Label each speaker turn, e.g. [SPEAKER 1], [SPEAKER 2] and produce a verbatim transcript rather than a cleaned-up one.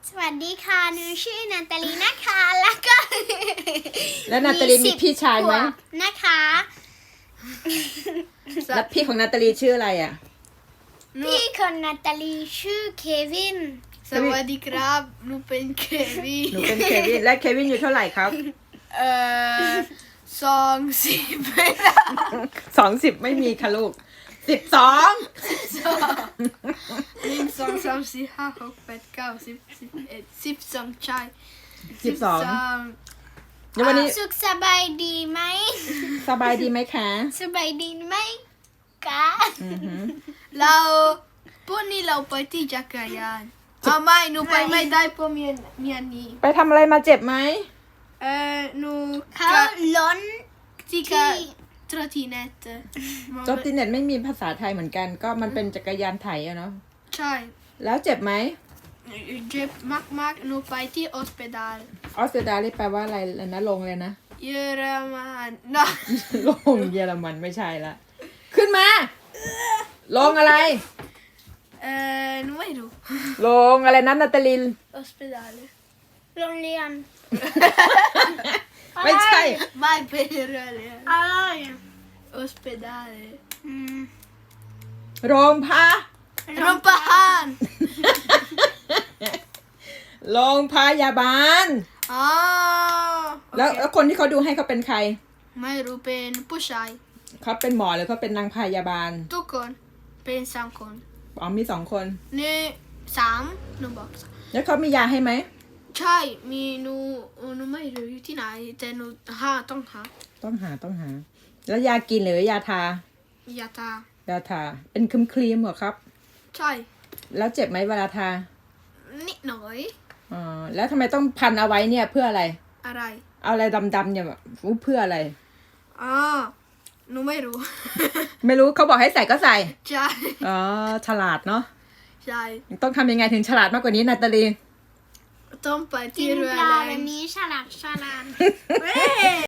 [SPEAKER 1] สวัสดีค่ะหนูชื่อนาตาลีนะคะแล้วก็
[SPEAKER 2] แล้วนาตาลีมีพี่ชายไหม
[SPEAKER 1] ขวบนะคะ
[SPEAKER 2] แล้วพี่ของนาตาลีชื่ออะไรอ่ะ
[SPEAKER 1] พี่ของนาตาลีชื่อเควิน
[SPEAKER 3] สวัสดีครับหนูเป็นเควิน
[SPEAKER 2] หนูเป็นเควินและเควินอยู่เท่าไหร่ครับ
[SPEAKER 3] เอ่อสองสิบ
[SPEAKER 2] สองสิบไม่มีค่ะลูกสิบสอง
[SPEAKER 3] หนึ่งสองสามสี่ห้าหกแปดเก้าสิบสิบเอ็ดสิบสองใช่
[SPEAKER 2] สิบสอง
[SPEAKER 3] ง
[SPEAKER 2] แล้ววันนี้
[SPEAKER 1] สุขสบายดีไหม
[SPEAKER 2] สบายดีไหมคะ
[SPEAKER 1] สบายดีไหมกะ
[SPEAKER 2] อือหือ
[SPEAKER 3] เราพวกนี้เราไปที่จักรยานอ่าไม่หนูไปไม่ได้เพราะเมียนเมียนนี้
[SPEAKER 2] ไปทำอะไรมาเจ็บไหม
[SPEAKER 3] เอ่อหนู
[SPEAKER 1] เขา
[SPEAKER 3] กะ
[SPEAKER 1] ล้น
[SPEAKER 3] ที่
[SPEAKER 1] ที่
[SPEAKER 3] กะทรทีเน็ต
[SPEAKER 2] จอบติเน็ตไม่มีภาษาไทยเหมือนกัน ก็มันเป็นจักรยานไถอะเนาะ
[SPEAKER 3] ใช่
[SPEAKER 2] แล้วเจ็บไหม
[SPEAKER 3] เจ็บมากๆหนูไปที่ออสเปดาล
[SPEAKER 2] ออสเตรเลียแปลว่าอะไรนะลงเลยนะ
[SPEAKER 3] เยอรมันนะ
[SPEAKER 2] ลงเยอรมันไม่ใช่ละขึ้นมา ลงอะไร
[SPEAKER 3] เอ่อหนูไม่รู้
[SPEAKER 2] ลงอะไรนะนาตาลิน
[SPEAKER 3] ออสเปดาล
[SPEAKER 1] โรงเรียน
[SPEAKER 2] ไม่ใช่
[SPEAKER 3] ไม่เป็นเรื่องเลย
[SPEAKER 1] อะไร
[SPEAKER 3] ออสเปดาล
[SPEAKER 1] อืม
[SPEAKER 2] โรงพา
[SPEAKER 3] โรงพยาบาล
[SPEAKER 2] โรงพยาบาล
[SPEAKER 3] อ๋อ
[SPEAKER 2] แล้ว
[SPEAKER 3] โอเค
[SPEAKER 2] แล้วคนที่เขาดูให้เขาเป็นใคร
[SPEAKER 3] ไม่รู้เป็นผู้ชาย
[SPEAKER 2] เขาเป็นหมอหรือเขาเป็นนางพยาบาล
[SPEAKER 3] ทุกคนเป็นสามคน
[SPEAKER 2] อ๋อมีสองคน
[SPEAKER 3] นี่สามหนูบอกสาม
[SPEAKER 2] แล้วเขามียาให้ไหม
[SPEAKER 3] ใช่มีหนูหนูไม่รู้อยู่ที่ไหนแต่หนูหาต้องหา
[SPEAKER 2] ต้องหาต้องหา แล้วยากินหรือยาทา
[SPEAKER 3] ยาตาย
[SPEAKER 2] าทา เป็นครีมครีมๆเหรอครับ
[SPEAKER 3] ใช่
[SPEAKER 2] แล้วเจ็บไหมเวลาทา
[SPEAKER 3] นิดหน่อย
[SPEAKER 2] อ๋อ แล้วทำไมต้องพันเอาไว้เนี่ยเพื่ออะไร
[SPEAKER 3] อะไร
[SPEAKER 2] เอาอะไรดำๆเนี่ยแบบเพื่ออะไร
[SPEAKER 3] อ๋อหนูไม่รู้
[SPEAKER 2] ไม่รู้เขาบอกให้ใส่ก็ใส่
[SPEAKER 3] ใช่
[SPEAKER 2] อ๋อ ฉลาดเนาะ
[SPEAKER 3] ใช่
[SPEAKER 2] ต้องทำยังไงถึงฉลาดมากกว่านี้นาตาลี
[SPEAKER 3] ต้องไป
[SPEAKER 1] กิ
[SPEAKER 3] ที่
[SPEAKER 1] น
[SPEAKER 3] เรือ
[SPEAKER 1] ปลา
[SPEAKER 3] แร
[SPEAKER 1] แบบ
[SPEAKER 3] ง
[SPEAKER 1] นี้ฉลาดฉลาด
[SPEAKER 3] เว้ย